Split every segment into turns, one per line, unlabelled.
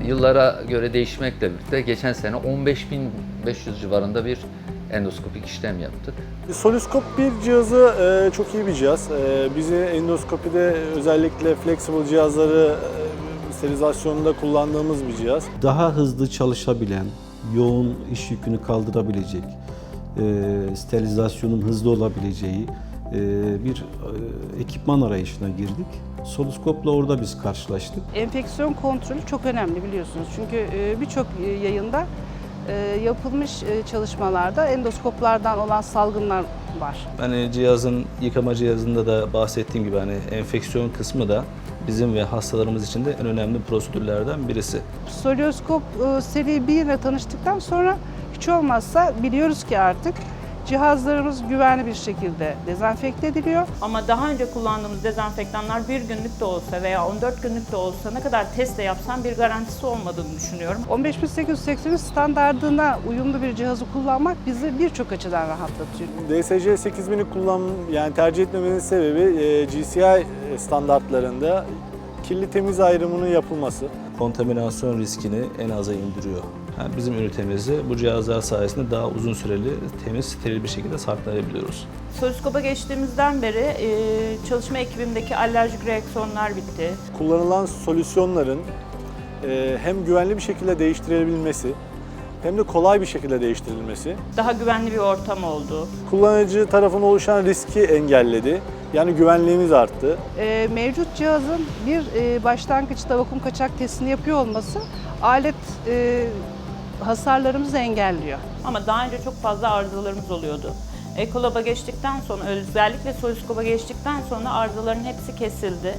Yıllara göre değişmekle birlikte geçen sene 15.500 civarında bir endoskopik işlem yaptık.
Soluskop bir cihazı çok iyi bir cihaz. Bizi endoskopide özellikle flexible cihazları sterilizasyonunda kullandığımız bir cihaz.
Daha hızlı çalışabilen, yoğun iş yükünü kaldırabilecek, sterilizasyonun hızlı olabileceği bir ekipman arayışına girdik. Soluskopla orada biz karşılaştık.
Enfeksiyon kontrolü çok önemli biliyorsunuz. Çünkü birçok yayında yapılmış çalışmalarda endoskoplardan olan salgınlar var.
Hani cihazın, yıkama cihazında da bahsettiğim gibi hani enfeksiyon kısmı da bizim ve hastalarımız için de en önemli prosedürlerden birisi.
Solioskop seri 1 ile tanıştıktan sonra hiç olmazsa biliyoruz ki artık cihazlarımız güvenli bir şekilde dezenfekte ediliyor.
Ama daha önce kullandığımız dezenfektanlar bir günlük de olsa veya 14 günlük de olsa ne kadar test de yapsam bir garantisi olmadığını düşünüyorum.
15880 standardına uyumlu bir cihazı kullanmak bizi birçok açıdan rahatlatıyor.
DSC 8000'i yani tercih etmemenin sebebi GCI standartlarında kirli temiz ayrımının yapılması.
Kontaminasyon riskini en aza indiriyor. Yani bizim ünitemizi bu cihazlar sayesinde daha uzun süreli, temiz, steril bir şekilde saklayabiliyoruz.
Soluskopa geçtiğimizden beri çalışma ekibimdeki alerjik reaksiyonlar bitti.
Kullanılan solüsyonların hem güvenli bir şekilde değiştirilebilmesi hem de kolay bir şekilde değiştirilmesi.
Daha güvenli bir ortam oldu.
Kullanıcı tarafından oluşan riski engelledi. Yani güvenliğimiz arttı.
Mevcut cihazın bir başlangıçta vakum kaçak testini yapıyor olması alet hasarlarımızı engelliyor.
Ama daha önce çok fazla arızalarımız oluyordu. Ekolab'a geçtikten sonra, özellikle Soluskop'a geçtikten sonra arızaların hepsi kesildi.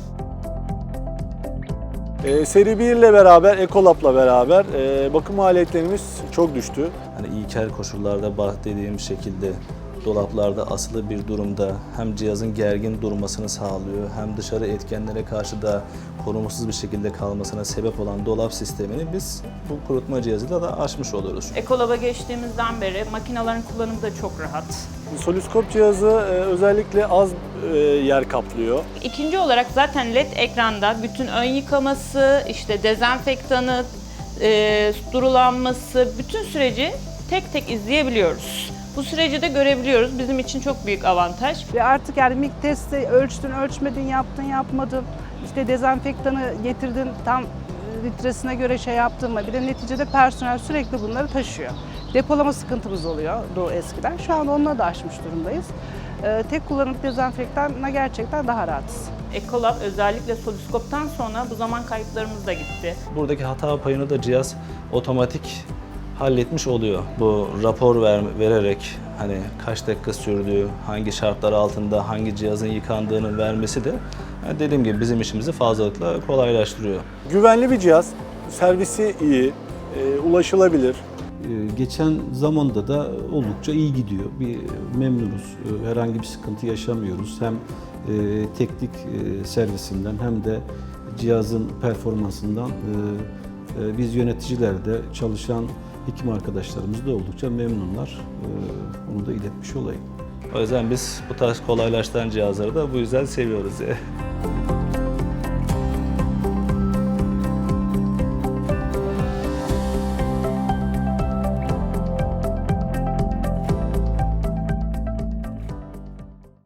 Seri 1 ile beraber, Ecolab'la beraber bakım maliyetlerimiz çok düştü.
Hani ilkel koşullarda bahsettiğim şekilde dolaplarda asılı bir durumda hem cihazın gergin durmasını sağlıyor hem dışarı etkenlere karşı da korumasız bir şekilde kalmasına sebep olan dolap sistemini biz bu kurutma cihazıyla da aşmış oluyoruz.
Ekolab'a geçtiğimizden beri makinelerin kullanımı da çok rahat.
Soluskop cihazı özellikle az yer kaplıyor.
İkinci olarak zaten LED ekranda bütün ön yıkaması, işte dezenfektanı, durulanması, bütün süreci tek tek izleyebiliyoruz. Bu süreci de görebiliyoruz. Bizim için çok büyük avantaj.
Ve artık yani MIG testi ölçtün, ölçmedin, yaptın, yapmadın. İşte dezenfektanı getirdin, tam litresine göre şey yaptın mı? Bir de neticede personel sürekli bunları taşıyor. Depolama sıkıntımız oluyordu eskiden. Şu an onunla da aşmış durumdayız. Tek kullanımlık dezenfektanla gerçekten daha rahatız.
Ecolab özellikle Soluskop'tan sonra bu zaman kayıplarımız da gitti.
Buradaki hata payını da cihaz otomatik halletmiş oluyor. Bu rapor vererek hani kaç dakika sürdüğü, hangi şartlar altında hangi cihazın yıkandığını vermesi de yani dediğim gibi bizim işimizi fazlalıkla kolaylaştırıyor.
Güvenli bir cihaz, servisi iyi, ulaşılabilir.
Geçen zamanda da oldukça iyi gidiyor. Memnunuz. Herhangi bir sıkıntı yaşamıyoruz. Hem teknik servisinden hem de cihazın performansından biz yöneticiler de çalışan hekim arkadaşlarımız da oldukça memnunlar. Onu da iletmiş olayım.
O yüzden biz bu tarz kolaylaştıran cihazları da bu yüzden seviyoruz.